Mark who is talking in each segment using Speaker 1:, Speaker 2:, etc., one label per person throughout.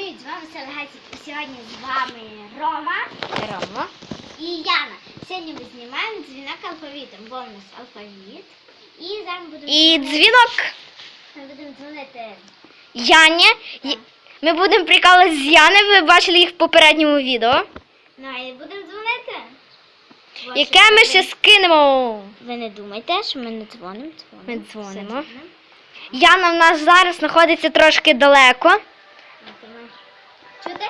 Speaker 1: Привіт, з вами Селегацик. І сьогодні з вами Рома і Яна. Сьогодні ми знімаємо дзвінок алфавітом, бо у нас алфавіт. І зараз ми будемо
Speaker 2: дзвінок
Speaker 1: Ми будемо дзвонити
Speaker 2: Яні.
Speaker 1: Так.
Speaker 2: Ми будемо прикалуватися з Яни, ви бачили їх в попередньому відео.
Speaker 1: Ну, і будемо дзвонити.
Speaker 2: Яке ми ще скинемо.
Speaker 1: Ви не думайте, що ми не дзвонимо.
Speaker 2: Ми дзвонимо.
Speaker 1: Все дзвонимо.
Speaker 2: Яна в нас зараз знаходиться трошки далеко.
Speaker 1: Чути?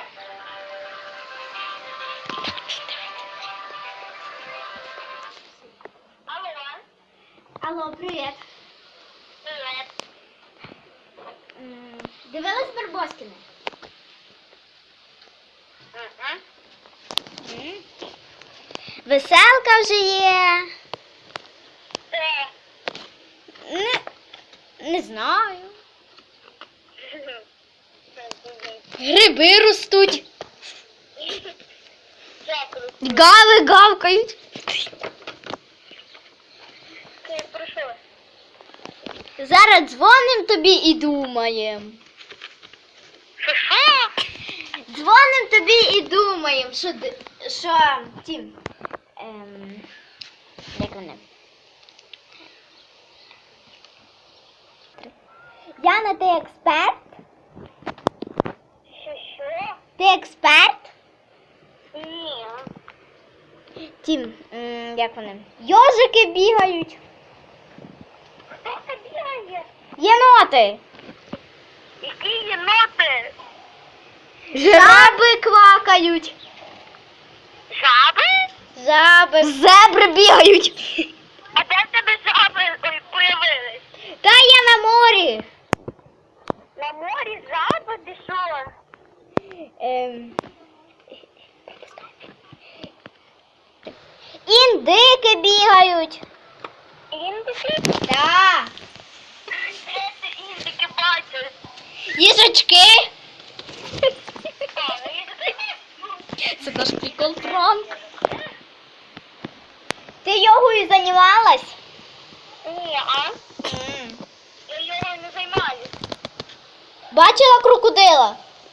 Speaker 1: Алло, привіт. Дивилась Барбоскіни? Веселка вже є. Не знаю.
Speaker 2: Гриби ростуть. Гави гавкають.
Speaker 1: Зараз дзвоним тобі і думаємо. Дзвоним тобі і думаємо, що ті, як вони? Яна, ти експерт?
Speaker 3: Що?
Speaker 1: Ти експерт?
Speaker 3: Ні.
Speaker 1: Тім, як вони? Йожики бігають.
Speaker 3: Хто це бігає?
Speaker 1: Єноти.
Speaker 3: Які єноти?
Speaker 1: Жаби квакають.
Speaker 3: Жаби?
Speaker 1: Жаби.
Speaker 2: Зебри бігають.
Speaker 3: А де в тебе жаби появились?
Speaker 1: Та я на морі.
Speaker 3: На морі жаби? Ти що?
Speaker 1: Індики бігають.
Speaker 3: Індики?
Speaker 1: Так.
Speaker 3: Де ти індики бачиш?
Speaker 2: Їжачки.
Speaker 3: А,
Speaker 2: Це наш прикол пранк.
Speaker 1: Ти йогою займалась?
Speaker 3: Ні, а? Я його не займаюсь.
Speaker 1: Бачила крокодила?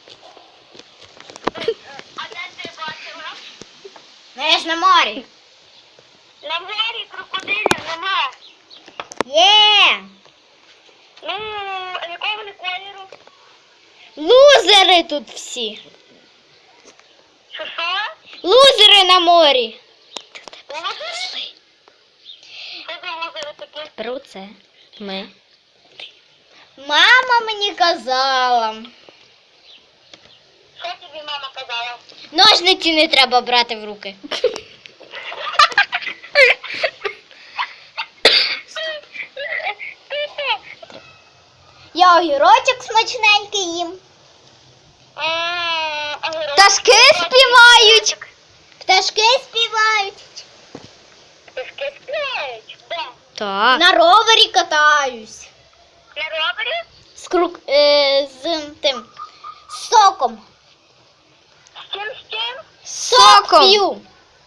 Speaker 3: А де ти бачила?
Speaker 1: Я ж на морі.
Speaker 3: На морі крокодилів нема.
Speaker 1: Є.
Speaker 3: Ну, а якого вони кольору?
Speaker 2: Лузери тут всі.
Speaker 3: Що?
Speaker 2: Лузери на морі.
Speaker 3: Лузери? Що за лузери такі?
Speaker 2: Про це ми.
Speaker 1: Мама мені казала.
Speaker 3: Що тобі мама казала?
Speaker 2: Ножниці не треба брати в руки.
Speaker 1: Я огірочок смачненький їм.
Speaker 2: Пташки співають.
Speaker 1: Пташки співають.
Speaker 3: Пташки співають? Де?
Speaker 2: Так.
Speaker 1: На ровері катаюсь.
Speaker 3: На ровері?
Speaker 1: З тим соком.
Speaker 3: З чим, з чим?
Speaker 2: Соком.
Speaker 1: П'ю.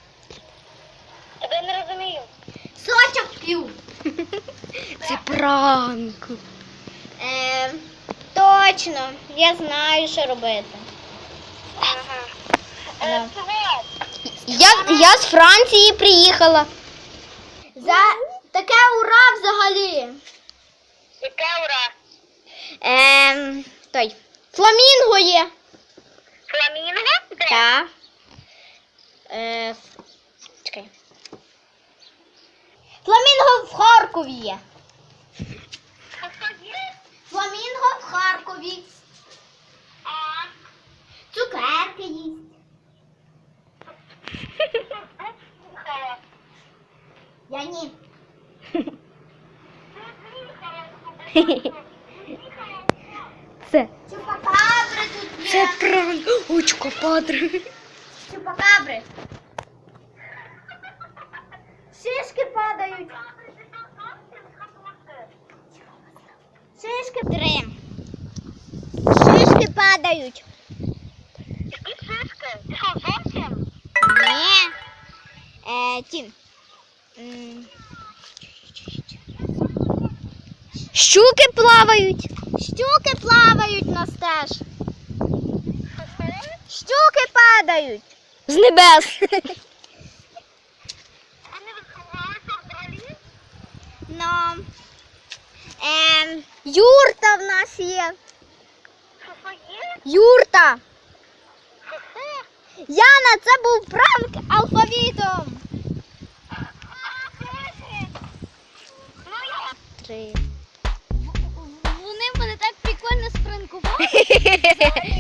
Speaker 3: Я не розумію.
Speaker 1: Сочок п'ю.
Speaker 2: Це пранк.
Speaker 1: Точно. Я знаю, що робити.
Speaker 3: Ага.
Speaker 1: Да.
Speaker 3: Чого?
Speaker 2: Я з Франції приїхала.
Speaker 1: За таке ура взагалі.
Speaker 3: Яке ура?
Speaker 1: Той. Фламінго є.
Speaker 3: Фламінго? Де?
Speaker 1: Так. Чекай. Фламінго в Харкові є.
Speaker 3: Що є?
Speaker 1: Фламінго в Харкові.
Speaker 3: А,
Speaker 1: Цукерки їсть.
Speaker 3: слухала.
Speaker 1: Я ні.
Speaker 2: Це
Speaker 1: Чупакабри тут є.
Speaker 2: Це пранк. Очко падре.
Speaker 1: Чупакабри. Шишки падають. Шишки. 3. Шишки падають.
Speaker 3: Які шишки? Ти що, зовсім?
Speaker 1: Ні. Тім.
Speaker 2: Щуки плавають.
Speaker 1: Щуки плавають на стеж.
Speaker 2: падають з небес.
Speaker 3: Вони відховалися взагалі?
Speaker 1: Ну,
Speaker 2: Юрта в нас є.
Speaker 3: Що є?
Speaker 2: Юрта.
Speaker 3: Що?
Speaker 2: Яна, це був пранк алфавітом.
Speaker 3: Ну я
Speaker 2: 3.
Speaker 1: вони мене так прикольно спранкували.